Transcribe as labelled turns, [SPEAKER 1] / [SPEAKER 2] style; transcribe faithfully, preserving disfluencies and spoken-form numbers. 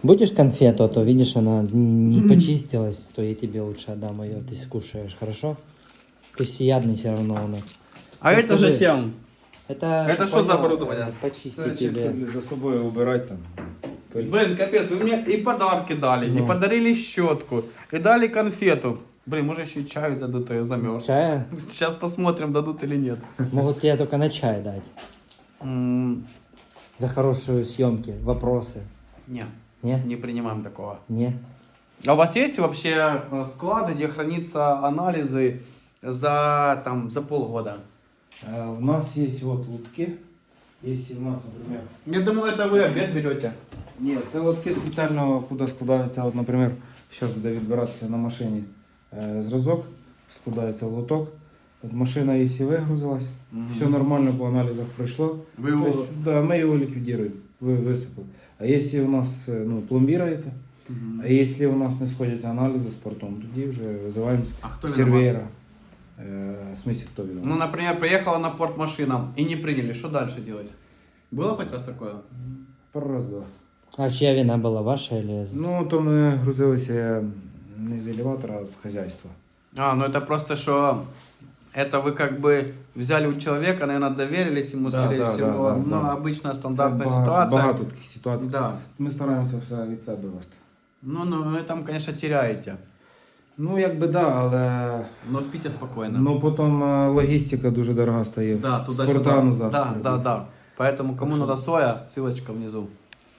[SPEAKER 1] Будешь конфету, а то видишь, она не почистилась, то я тебе лучше отдам ее, ты скушаешь, хорошо? Ты всеядный все равно у нас.
[SPEAKER 2] А
[SPEAKER 1] Ты
[SPEAKER 2] это
[SPEAKER 1] скажи,
[SPEAKER 2] зачем?
[SPEAKER 1] Это,
[SPEAKER 2] Это
[SPEAKER 1] чтоб
[SPEAKER 2] что за
[SPEAKER 1] понял,
[SPEAKER 2] оборудование?
[SPEAKER 1] э, Почистить
[SPEAKER 3] Це чисто
[SPEAKER 1] тебе.
[SPEAKER 3] для- за собою убирати там. пиль.
[SPEAKER 2] Блин, капец, вы мне и подарки дали,
[SPEAKER 1] Ну.
[SPEAKER 2] и подарили щетку, и дали конфету. Блин, может еще и чаю дадут, а я замерз.
[SPEAKER 1] Чая?
[SPEAKER 2] Сейчас посмотрим, дадут или нет.
[SPEAKER 1] Могут тебе только на чай дать.
[SPEAKER 2] М,
[SPEAKER 1] За хорошие съемки, вопросы.
[SPEAKER 2] Не,
[SPEAKER 1] Не?
[SPEAKER 2] не принимаем такого.
[SPEAKER 1] Не?
[SPEAKER 2] А у вас есть вообще э, склады, где хранятся анализы за, там, за полгода?
[SPEAKER 3] Е, У нас є от лотки. Якщо у нас, наприклад...
[SPEAKER 2] Я думал, это вы обед берете.
[SPEAKER 3] Ні, це лотки спеціально, куди складається, от, наприклад, зараз буде відбиратися на машині е, зразок, складається лоток. От машина, якщо вигрузилась, все нормально по аналізах пройшло.
[SPEAKER 2] Вы его...
[SPEAKER 3] Тобто, да, ми його ліквідуємо, ви висипали. А якщо у нас е, ну, пломбірується,
[SPEAKER 2] Мгм.
[SPEAKER 3] а якщо у нас не сходяться аналізи з портом, тоді вже визиваємо
[SPEAKER 2] А кто
[SPEAKER 3] сервера. Е, в смысле, хто відомо?
[SPEAKER 2] Ну, например, приехала на порт машина и не приняли, что дальше делать? Было хоть раз такое?
[SPEAKER 3] Пару раз було.
[SPEAKER 1] А чья вина была, ваша или...
[SPEAKER 3] Ну, то ми грузилися не з елеватора, а з хазяйства.
[SPEAKER 2] А, ну это просто, что это вы как бы взяли у человека, наверное, доверились ему,
[SPEAKER 3] Да,
[SPEAKER 2] скорее
[SPEAKER 3] да,
[SPEAKER 2] всего.
[SPEAKER 3] да, да,
[SPEAKER 2] Ну,
[SPEAKER 3] да.
[SPEAKER 2] обычная
[SPEAKER 3] Це
[SPEAKER 2] стандартная
[SPEAKER 3] багато,
[SPEAKER 2] ситуация.
[SPEAKER 3] багато таких ситуацій.
[SPEAKER 2] Да.
[SPEAKER 3] Ми стараємося все від себе вести.
[SPEAKER 2] Ну, ну, вы там, конечно, теряете.
[SPEAKER 3] Ну, якби да, але
[SPEAKER 2] Но спите спокойно.
[SPEAKER 3] ну, потім е, логістика дуже дорога стає.
[SPEAKER 2] Да,
[SPEAKER 3] З
[SPEAKER 2] туда-сюда.
[SPEAKER 3] порта назад.
[SPEAKER 2] Да, да, да. Поэтому, кому надо соя, ссылочка внизу.